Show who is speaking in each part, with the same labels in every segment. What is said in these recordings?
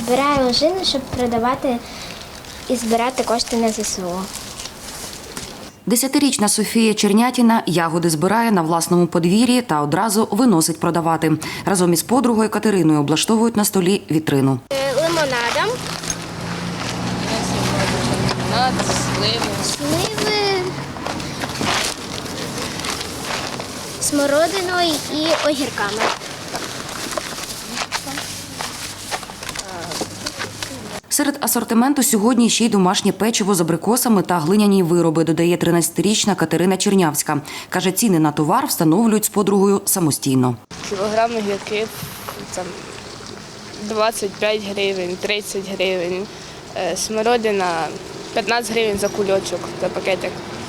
Speaker 1: Збираю ожини, щоб продавати і збирати кошти на ЗСУ.
Speaker 2: 10-річна Софія Чернятіна ягоди збирає на власному подвір'ї та одразу виносить продавати. Разом із подругою Катериною облаштовують на столі вітрину.
Speaker 1: Лимонадом.
Speaker 3: Лимонад,
Speaker 1: Сливи, смородиною і огірками.
Speaker 2: Серед асортименту сьогодні ще й домашнє печиво з абрикосами та глиняні вироби, додає 13-річна Катерина Чернявська. Каже, ціни на товар встановлюють з подругою самостійно.
Speaker 3: кілограм огірків – 25 гривень, 30 гривень. Смородина – 15 гривень за кульочок, за пакетик.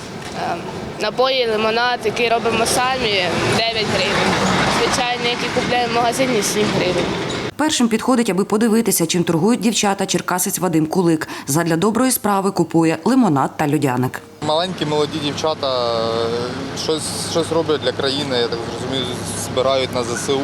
Speaker 3: Напої, лимонад, який робимо самі – 9 гривень. Звичайно, який купуємо в магазині – 7 гривень.
Speaker 2: Першим підходить, аби подивитися, чим торгують дівчата, черкасець Вадим Кулик. Задля доброї справи купує лимонад та льодяник.
Speaker 4: Маленькі молоді дівчата щось роблять для країни, я так розумію, збирають на ЗСУ.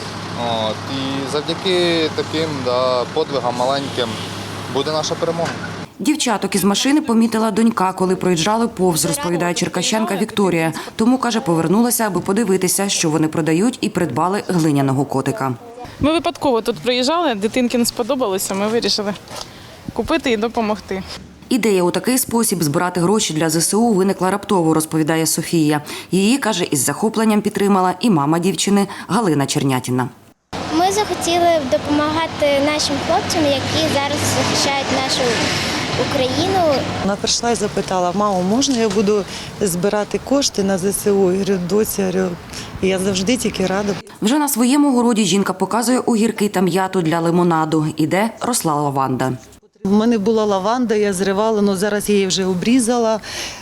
Speaker 4: І завдяки таким подвигам маленьким буде наша перемога.
Speaker 2: Дівчаток із машини помітила донька, коли проїжджали повз, розповідає черкащанка Вікторія. Тому, каже, повернулася, аби подивитися, що вони продають, і придбали глиняного котика.
Speaker 5: Ми випадково тут приїжджали, дитинки не сподобалося, ми вирішили купити і допомогти.
Speaker 2: Ідея у такий спосіб збирати гроші для ЗСУ виникла раптово, розповідає Софія. Її, каже, із захопленням підтримала і мама дівчини Галина Чернятіна.
Speaker 1: Ми захотіли допомагати нашим хлопцям, які зараз захищають нашу Україну.
Speaker 6: Вона прийшла і запитала: мамо, можна я буду збирати кошти на ЗСУ? Я говорю, доця, я завжди тільки рада.
Speaker 2: Вже на своєму городі жінка показує огірки та м'яту для лимонаду. Іде росла лаванда.
Speaker 6: У мене була лаванда, я зривала, але зараз я її вже обрізала,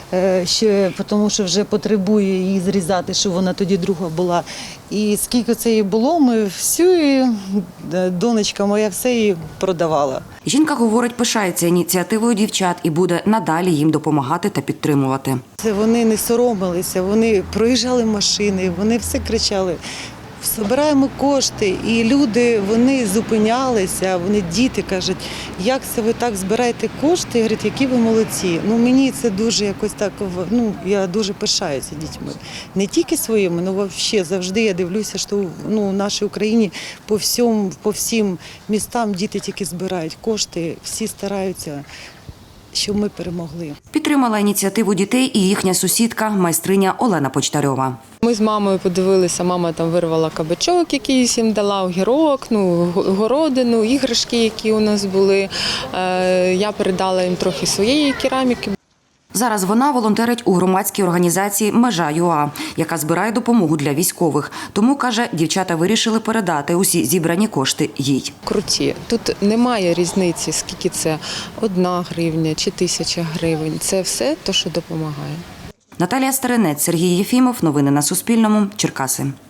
Speaker 6: тому що вже потребує її зрізати, щоб вона тоді друга була. І скільки це її було, ми всю, донечка моя все її продавала.
Speaker 2: Жінка, говорить, пишається ініціативою дівчат і буде надалі їм допомагати та підтримувати.
Speaker 6: Вони не соромилися, вони проїжджали машини, вони все кричали: збираємо кошти, і люди, вони зупинялися, вони діти кажуть, як це ви так збираєте кошти, говорять, які ви молодці. Мені це дуже якось так, я дуже пишаюся дітьми. Не тільки своїми, але взагалі завжди я дивлюся, що в нашій Україні по всім містам діти тільки збирають кошти, всі стараються, щоб ми перемогли.
Speaker 2: Підтримала ініціативу дітей і їхня сусідка, майстриня Олена Почтарьова.
Speaker 7: Ми з мамою подивилися, мама там вирвала кабачок, який їм дала, огірок, городину, іграшки, які у нас були. Я передала їм трохи своєї кераміки.
Speaker 2: Зараз вона волонтерить у громадській організації «Межа.ЮА», яка збирає допомогу для військових. Тому, каже, дівчата вирішили передати усі зібрані кошти їй.
Speaker 7: Круті. Тут немає різниці, скільки це 1 гривня чи 1000 гривень. Це все те, що допомагає.
Speaker 2: Наталія Старинець, Сергій Єфімов. Новини на Суспільному. Черкаси.